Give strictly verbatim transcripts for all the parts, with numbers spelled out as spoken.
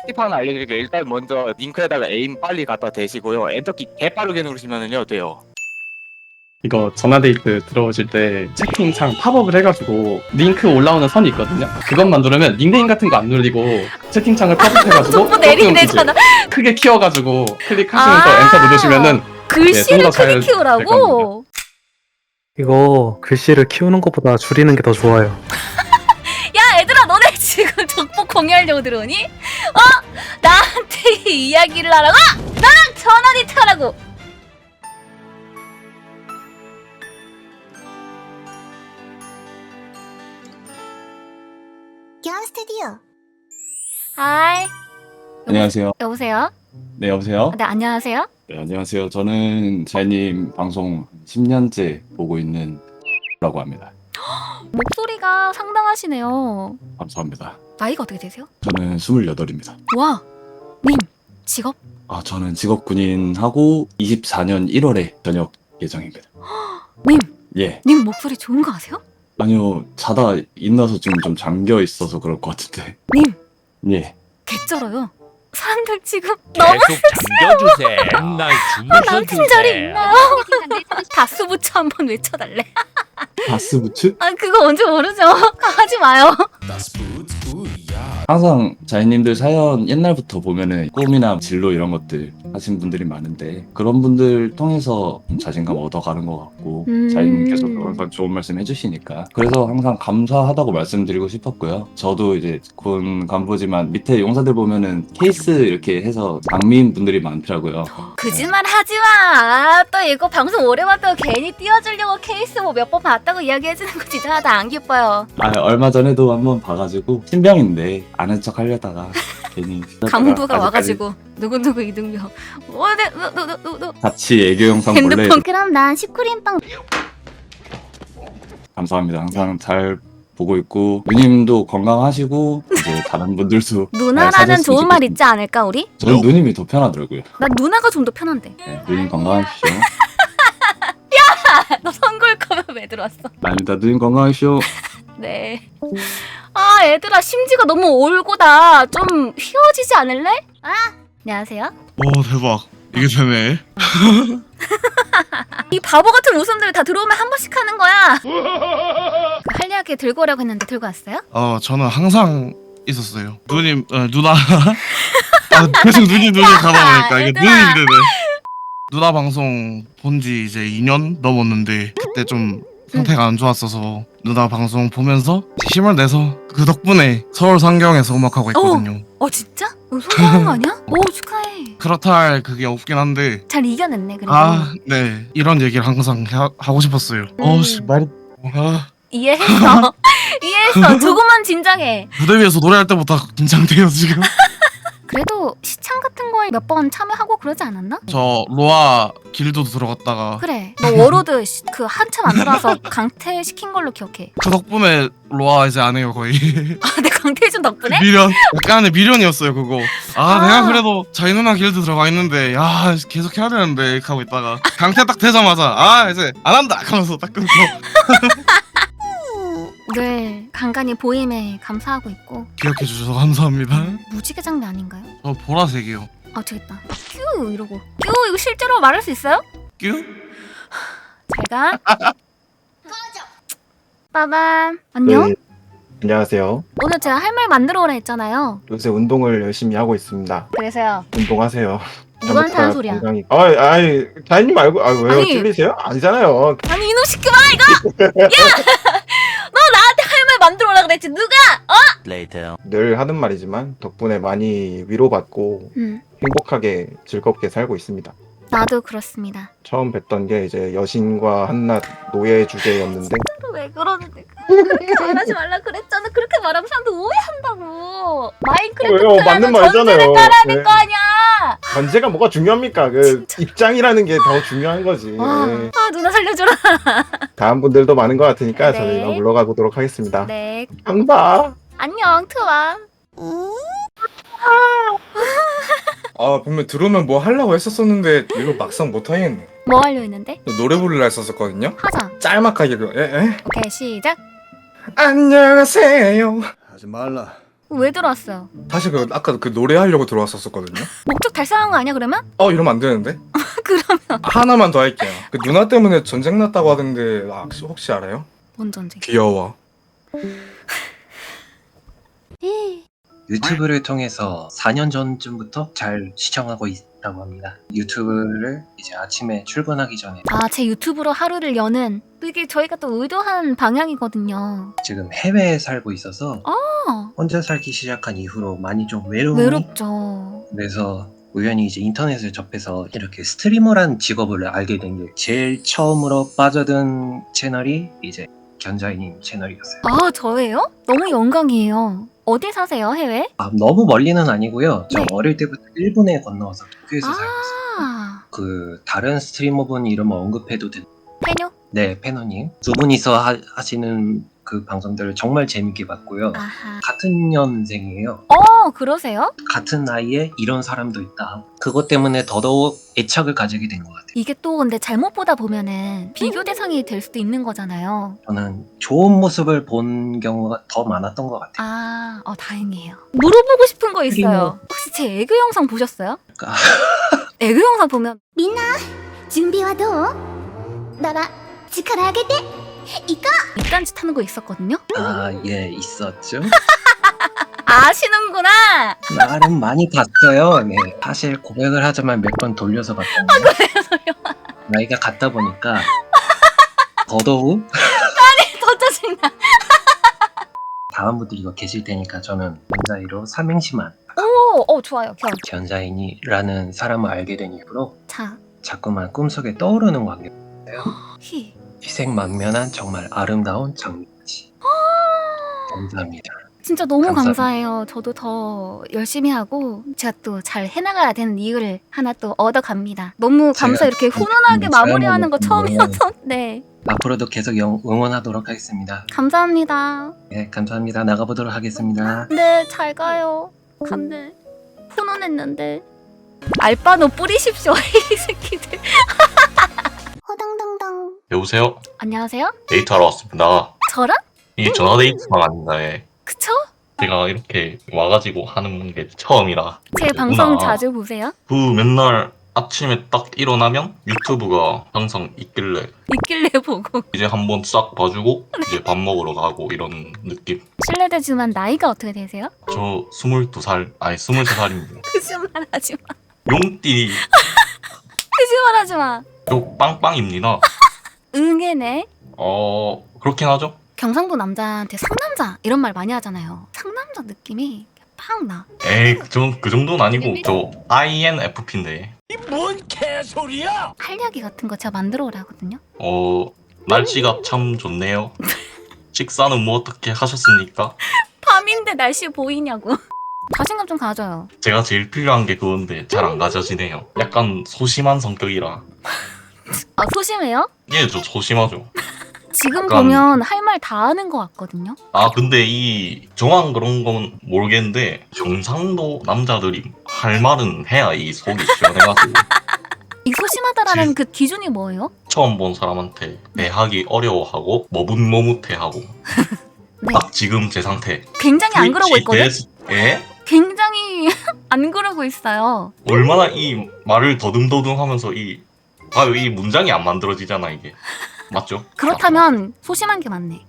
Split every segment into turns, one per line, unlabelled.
팁 하나 알려드릴게요. 일단 먼저 링크에다가 에임 빨리 갖다 대시고요. 엔터키 개빠르게 누르시면은요 돼요.
이거 전화데이트 들어오실 때 채팅창 팝업을 해가지고 링크 올라오는 선이 있거든요. 그것만 누르면 닉네임 같은 거 안 눌리고 채팅창을 팝업해가지고
족보 내리게
조금
되잖아.
이제 크게 키워가지고 클릭하시면서
아
엔터 누르시면은
글씨를
네, 좀더
크게
잘
키우라고?
이거 글씨를 키우는 것보다 줄이는 게 더 좋아요.
야 얘들아 너네 지금 족보 공유하려고 들어오니? 어? 나한테 이야기를 하라고? 나랑 전화데이트 하라고?
기아 스튜디오.
하이.
안녕하세요.
여보세요?
네, 여보세요?
네 안녕하세요?
네, 안녕하세요. 저는 자이님 방송 십 년째 보고 있는 라고 합니다.
목소리가 상당하시네요.
감사합니다.
나이가 어떻게 되세요?
저는 스물여덟입니다.
와! 님! 직업?
아, 저는 직업 군인하고 이십사 년 일월에 전역 예정입니다.
님!
예.
님 목소리 좋은 거 아세요?
아니요, 자다 일어나서 지금 좀 잠겨 있어서 그럴 것 같은데.
님!
예.
개쩔어요. 사람들 지금 너무
계속 잠겨주세요. 맨날
아, 남친 자리
주무셔주세요.
있나요? 다수부처 한번 외쳐달래.
바스부츠?
아 그거 뭔지 모르죠? 하지 마요.
항상 자이님들 사연 옛날부터 보면은 꿈이나 진로 이런 것들 하신 분들이 많은데 그런 분들 통해서 좀 자신감 얻어가는 것 같고
음.
자이님께서도 항상 좋은 말씀 해주시니까 그래서 항상 감사하다고 말씀드리고 싶었고요. 저도 이제 군 간부지만 밑에 용사들 보면은 케이스 이렇게 해서 장미인 분들이 많더라고요.
거짓말 하지 마. 또 이거 방송 오래 봤다고 괜히 띄워주려고 케이스 뭐 몇 번 봤다고 이야기해주는 거 진짜 나 안 기뻐요.
아 얼마 전에도 한번 봐가지고 신병인데 아는 척 하려다가 괜히
강부가
아직까지
와가지고 누구누구 이등병. 어, 네, 너, 너, 너, 너.
같이 애교 영상 볼래?
핸드폰.
그럼 난 슈크림빵.
감사합니다. 항상 잘 보고 있고 누님도 건강하시고 이제 다른 분들도 잘
누나라는
사셨으면
좋은 말
좋겠습니다.
있지 않을까 우리?
저는 누님이 더 편하더라고요.
난 누나가 좀 더 편한데.
네, 누님 건강하십시오.
너 선골 거면 왜 들어왔어?
아닙니다. 누님 건강하십시오.
네. 아 얘들아 심지가 너무 올고다. 좀 휘어지지 않을래? 아 안녕하세요.
오 대박 이게 되네.
이 바보 같은 웃음들 다 들어오면 한 번씩 하는 거야. 그 한리하게 들고 오라고 했는데 들고 왔어요?
어 저는 항상 있었어요. 누님 어, 누나 아, 계속 누님 누님 가다 보니까 이게
얘들아.
누님이 되네. 누나 방송 본 지 이제 이 년 넘었는데 그때 좀 상태가 안 좋았어서 누나 방송 보면서 힘을 내서 그 덕분에 서울 상경에서 음악하고 있거든요.
어 진짜? 너 성공한 거 아니야? 오 축하해.
그렇다 할 그게 없긴 한데
잘 이겨냈네 그래도.
아 네 이런 얘기를 항상 하, 하고 싶었어요.
음.
어씨 말이 아,
이해했어. 이해했어. 조금만 진정해.
무대 위에서 노래할 때부터 긴장돼요 지금.
그래도 시청 같은 거에 몇 번 참여하고 그러지 않았나?
저 로아 길드도 들어갔다가
그래. 너 워로드 시- 그 한참 안 들어와서 강퇴시킨 걸로 기억해.
그 덕분에 로아 이제 안 해요 거의.
아, 내 강퇴해준 덕분에?
미련 약간의 미련이었어요 그거. 아,
아.
내가 그래도 자이 누나 길드 들어가 있는데 야 계속 해야 되는데 이렇게 하고 있다가 강퇴 딱 되자마자 아 이제 안 한다 하면서 딱 끊고.
늘 간간히 보임에 감사하고 있고.
기억해 주셔서 감사합니다.
무지개 장미 아닌가요?
저 보라색이요.
아 되겠다. 큐 이러고. 큐 이거 실제로 말할 수 있어요?
뀨?
잘 가. 빠밤. 안녕.
네, 안녕하세요.
오늘 제가 할 말 만들어 오라 했잖아요.
요새 운동을 열심히 하고 있습니다.
그래서요.
운동하세요.
누구한테 하는 소리야?
건강히. 아, 아이, 자인님 말고, 아 왜요?
아니.
찔리세요? 아니잖아요.
아니 이놈 시끄마 이거! 야! 너 나한테 할 말 만들어 오라 그랬지 누가? 어?
늘 하는 말이지만 덕분에 많이 위로받고
음.
행복하게 즐겁게 살고 있습니다.
나도 그렇습니다.
처음 뵀던 게 이제 여신과 한낱 노예 주제였는데
왜 그러는데? 그렇게 말하지 말라 그랬잖아. 그렇게 말하면 사람들 오해한다고. 마인크래프트
왜요? 맞는
하는
말이잖아요.
전제를 깔아야 될
네.
거 아니야.
관제가 뭐가 중요합니까? 그 입장이라는 게 더 중요한 거지.
와,
네.
아 누나 살려줘라.
다음 분들도 많은 것 같으니까
네.
저는 이만 물러가 보도록 하겠습니다.
네.
감사.
안녕 트와.
아 분명 들어오면 뭐 하려고 했었었는데 이거 막상 못 하겠네.
뭐 하려 했는데?
노래 부르려 했었었거든요.
하자.
짤막하게 그 에? 에?
오케이 시작.
안녕하세요.
하지 말라.
왜 들어왔어요?
사실 그 아까 그 노래하려고 들어왔었거든요.
목적 달성한 거 아니야 그러면?
어 이러면 안 되는데.
그러면
하나만 더 할게요. 그 누나 때문에 전쟁 났다고 하던데 아, 혹시, 혹시 알아요?
뭔 전쟁?
귀여워.
유튜브를 통해서 사 년 전쯤부터 잘 시청하고 있다고 합니다. 유튜브를 이제 아침에 출근하기 전에
아, 제 유튜브로 하루를 여는 이게 저희가 또 의도한 방향이거든요.
지금 해외에 살고 있어서
어,
혼자 살기 시작한 이후로 많이 좀 외로움이
외롭죠.
그래서 우연히 이제 인터넷을 접해서 이렇게 스트리머란 직업을 알게 된 게 제일 처음으로 빠져든 채널이 이제 견자이님 채널이었어요.
아, 저예요? 너무 영광이에요. 어디 사세요, 해외?
아, 너무 멀리는 아니고요. 저
네.
어릴 때부터 일본에 건너와서 도쿄에서 살고 있어요.
아,
그 다른 스트리머분 이름 언급해도 되나요?
페뇨?
네, 페노님. 두 분이서 하, 하시는 그 방송들을 정말 재밌게 봤고요.
아하.
같은 년생이에요.
어, 그러세요?
같은 나이에 이런 사람도 있다. 그것 때문에 더더욱 애착을 가지게 된 것 같아요.
이게 또 근데 잘못 보다 보면은 비교 대상이 될 수도 있는 거잖아요.
저는 좋은 모습을 본 경우가 더 많았던 것 같아요.
아, 어, 다행이에요. 물어보고 싶은 거 있어요. 혹시 제 애교 영상 보셨어요?
그러니까
애교 영상 보면
みんな準備はどうなら力上げていこう
밑단짓 하는 거 있었거든요?
아, 예, 있었죠.
아시는구나!
나름 많이 봤어요. 네. 사실 고백을 하자면 몇 번 돌려서 봤던데. 나이가 같다 보니까 더더욱
더 짜증나.
다음 분들이 이거 계실 테니까 저는 견자이로 삼행시만
오, 어, 좋아요. 견.
견자인이라는 사람을 알게 된 이후로
자,
자꾸만 꿈속에 떠오르는 광경.
히.
희생만면한 정말 아름다운 장미까지. 감사합니다.
진짜 너무
감사합니다.
감사해요. 저도 더 열심히 하고 제가 또 잘 해나가야 되는 이유를 하나 또 얻어갑니다. 너무 감사
제가
이렇게 훈훈하게
음,
마무리하는 거
사연을
처음이어서 네.
앞으로도 계속 영- 응원하도록 하겠습니다.
감사합니다.
네, 감사합니다. 나가보도록 하겠습니다.
네, 잘 가요. 간대. 훈훈했는데. 알바노 뿌리십시오, 이 새끼들.
호당당당
여보세요?
안녕하세요?
데이트하러 왔습니다.
저랑?
이게 전화 데이트방 아닌가에
그쵸?
제가 이렇게 와가지고 하는 게 처음이라
제 방송
누나,
자주 보세요?
그 맨날 아침에 딱 일어나면 유튜브가 항상 있길래
있길래 보고.
이제 한번 싹 봐주고 이제 밥 먹으러 가고 이런 느낌.
실례되지만 나이가 어떻게 되세요?
저 스물두 살 아니 스물세 살입니다.
거짓말 하지 마.
용띠
거짓말 하지 마.
요 빵빵입니다.
응애네.
어 그렇긴 하죠.
경상도 남자한테 상남자 이런 말 많이 하잖아요. 상남자 느낌이 팍 나.
에이 전 그 정도는 아니고 저 아이엔에프피인데
뭔 개소리야!
할 이야기 같은 거 제가 만들어 오라거든요.
어 날씨가 참 좋네요. 식사는 뭐 어떻게 하셨습니까?
밤인데 날씨 보이냐고. 자신감 좀 가져요.
제가 제일 필요한 게 그건데 잘 안 가져지네요. 약간 소심한 성격이라.
아, 소심해요?
예, 저 소심하죠.
지금
약간-
보면 할 말 다 하는 것 같거든요.
아 근데 이 정황 그런 건 모르겠는데 경상도 남자들이 할 말은 해야 이 속이 시원해가지고
이 소심하다라는 그 기준이 뭐예요?
처음 본 사람한테 대하기 어려워하고 머뭇머뭇해하고
네.
딱 지금 제 상태.
굉장히 안 그러고 있거든?
트위치 대해서- 예?
굉장히 안 그러고 있어요.
얼마나 이 말을 더듬더듬하면서 이 아유 이 문장이 안 만들어지잖아 이게. 맞죠?
그렇다면 소심한 게 맞네.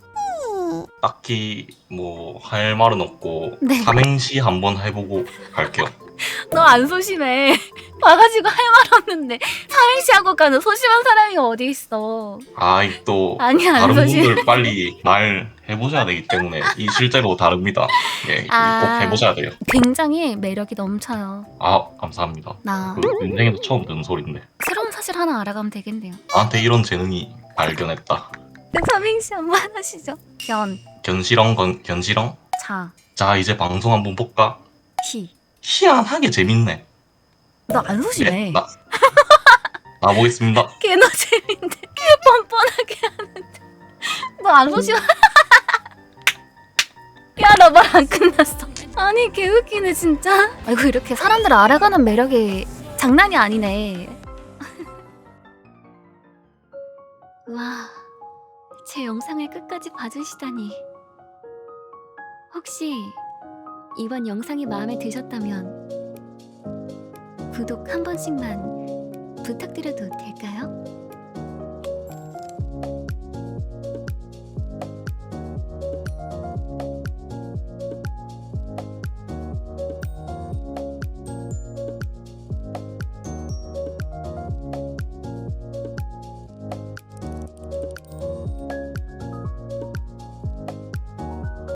딱히 뭐 할 말은 없고
네.
삼행시 한번 해보고 갈게요.
너 안 소심해. 와가지고 할 말 없는데 삼행시 하고 가는 소심한 사람이 어디 있어.
아이 또
아니, 안
다른
소심.
분들 빨리 말 해보셔야 되기 때문에 이 실제로 다릅니다. 예,
아.
꼭 해보셔야 돼요.
굉장히 매력이 넘쳐요.
아 감사합니다.
나
그 인생에서 처음 듣는 소리인데
새로운 사실 하나 알아가면 되겠네요.
나한테 이런 재능이 발견했다.
네, 삼행시 한번 하시죠. 견,
견시렁 건, 견시렁?
자,
자 이제 방송 한번 볼까?
히.
희한하게 재밌네.
너 안 소심해.
예? 나 나보겠습니다.
걔너 재밌는데 걔 뻔뻔하게 하는데 너 안 소심해. 야, 너 말 안 끝났어. 아니, 개 웃기네 진짜. 아이고, 이렇게 사람들을 알아가는 매력이 장난이 아니네. 와, 제 영상을 끝까지 봐주시다니. 혹시
이번 영상이 마음에 드셨다면 구독 한 번씩만 부탁드려도 될까요?